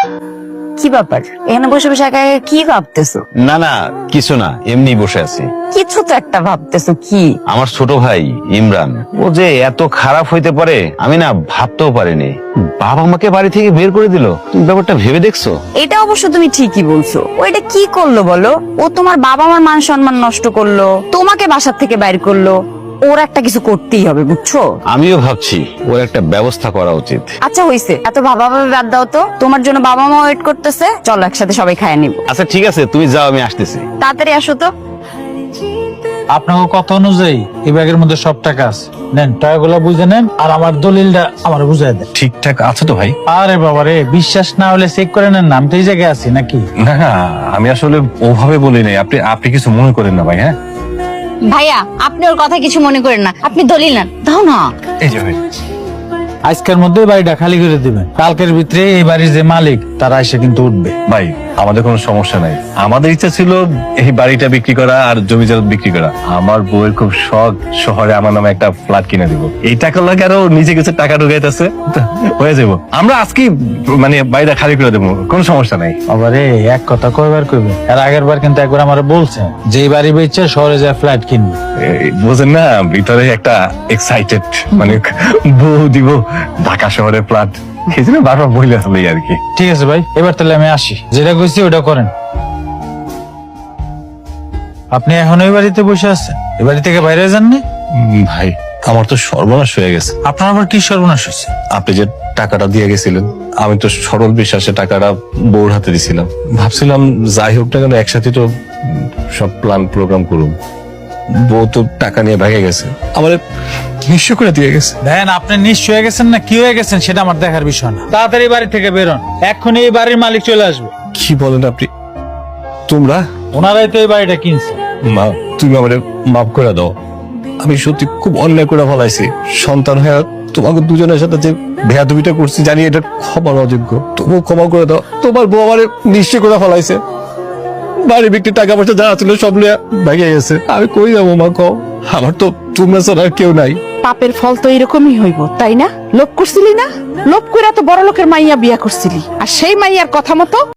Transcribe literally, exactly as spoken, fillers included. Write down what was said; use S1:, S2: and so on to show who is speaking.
S1: কি ব্যাপার, এখানে বসে বসে একা একা কি ভাবতেছো?
S2: না না কিছু না, এমনি বসে আছি।
S1: কিছু তো একটা ভাবতেছো। কি?
S2: আমার ছোট ভাই ইমরান, ও যে এত খারাপ হইতে পারে আমি না ভাবতেও পারিনি। বাবা আমাকে বাড়ি থেকে বের করে দিল। তুমি ব্যাপারটা ভেবে দেখছো?
S1: এটা অবশ্য তুমি ঠিকই বলছো। ও এটা কি করলো বলো? ও তোমার বাবা মার মান সম্মান নষ্ট করলো, তোমাকে বাসার থেকে বাইর করলো। ওর একটা কিছু করতেই হবে, বুঝছো?
S2: আমিও ভাবছি ওর একটা ব্যবস্থা করা উচিত।
S1: আচ্ছা হইছে, এত ভাবা ভাবে বাদ দাও তো। তোমার জন্য বাবা মা ওয়েট করতেছে, চলো একসাথে সবাই খায় নিব।
S2: আচ্ছা ঠিক আছে, তুমি যাও, আমি আসতেছি।
S1: তাড়াতাড়ি আসো তো।
S3: আপনাকে কথা অনুযায়ী এই ব্যাগের মধ্যে সব টাকা আছে, নেন টাকাগুলো বুঝে নেন, আর আমার দলিলটা আমার বুঝাই দেন।
S4: ঠিকঠাক আছে তো ভাই?
S3: আরে বাবা রে, বিশ্বাস না হলে চেক করে নেন না, আমি তো এই জায়গায় আছি নাকি?
S4: না না, আমি আসলে ওভাবে বলি নাই। আপনি আপনি কিছু মনে করেন না ভাই। হ্যাঁ
S5: ভাইয়া, আপনি ওর কথা কিছু মনে করেন না, আপনি দলিল নেন, দাও না।
S4: এই যে ভাই,
S3: আজকের মধ্যে বাড়িটা খালি করে দিবেন। কালকের ভিতরে এই বাড়ির যে মালিক তারা এসে কিন্তু উঠবে।
S4: ভাই আমাদের কোনো সমস্যা নাই। আমাদের ইচ্ছা ছিল এই বাড়িটা বিক্রি করা আর জমি জমা বিক্রি করা। আমার বউয়ের খুব শখ শহরে আমার নামে একটা ফ্ল্যাট কিনে দিব। এই টাকা লাগে আরো নিজে কিছু টাকা ঢুকাইতেছে, হয়ে যাবো। আমরা আজকে মানে বাড়িটা খালি করে দেবো, কোনো সমস্যা নাই।
S3: আবার এক কথা কয়বার কইবে? আর আগের বার কিন্তু একবার আমার বলছে যে এই বাড়ি বেচে শহরে যায় ফ্ল্যাট কিনবে।
S4: এই বোঝেন না, ভিতরে একটা এক্সাইটেড, মানে বউ দিব ঢাকা শহরে ফ্ল্যাট, এই জন্য বারবার বইলে আসলে আর কি।
S3: ঠিক আছে ভাই, এবার তাহলে আমি আসি। যেটা কইছি ওটা করেন। আপনি এখন ওই বাড়িতে বসে আছেন, এই বাড়ি থেকে বাইরে যাননি?
S4: উম, ভাই আমার তো সর্বনাশ হয়ে গেছে।
S3: আপনার আবার কি সর্বনাশ হয়েছে?
S4: আপনি যে টাকাটা দিয়ে গেছিলেন, আমি তো সরল বিশ্বাসে টাকাটা বউর হাতে দিছিলাম। ভাবছিলাম যাই হোক না কেন একসাথে তো উম, সব প্ল্যান প্রোগ্রাম করুন। বউ তো টাকা নিয়ে ভেঙে গেছে, আমার নিঃস্ব করে দিয়ে গেছে।
S3: দেন, আপনি নিশ্চয় হয়ে গেছেন না কি হয়ে গেছেন সেটা আমার দেখার বিষয় না। তাড়াতাড়ি বাড়ি থেকে বেরোন, এক্ষুনি এই বাড়ির মালিক চলে আসবে।
S4: কি বলেন আপনি? তোমরা?
S3: ওনারাই তো এই বাড়িটা কিনছে।
S4: মা, তুমি আমারে মাফ করে দাও। আমি সত্যি খুব অন্যায় করে ফেলাইছি। সন্তান হয়ে তোমাকে দুজনের সাথে যে বেয়াদবিটা করছি জানি এটা ক্ষমার অযোগ্য, তবু ক্ষমা করে দাও। তোমার বউ আমারে নিশ্চয় করে ফেলাইছে। বাড়ি বিক্রি টাকা পয়সা যা ছিল সব লিয়ে ভেঙে গেছে। আমি কই যাবো মা, কও? আমার তো তোমরা ছাড়া আর কেউ নাই।
S6: পাপের ফল তো এরকমই হইব, তাই না? লোভ করছিলি না? লোভ করে তো বড় লোকের মাইয়া বিয়া করছিলি, আর সেই মাইয়ার কথা মতো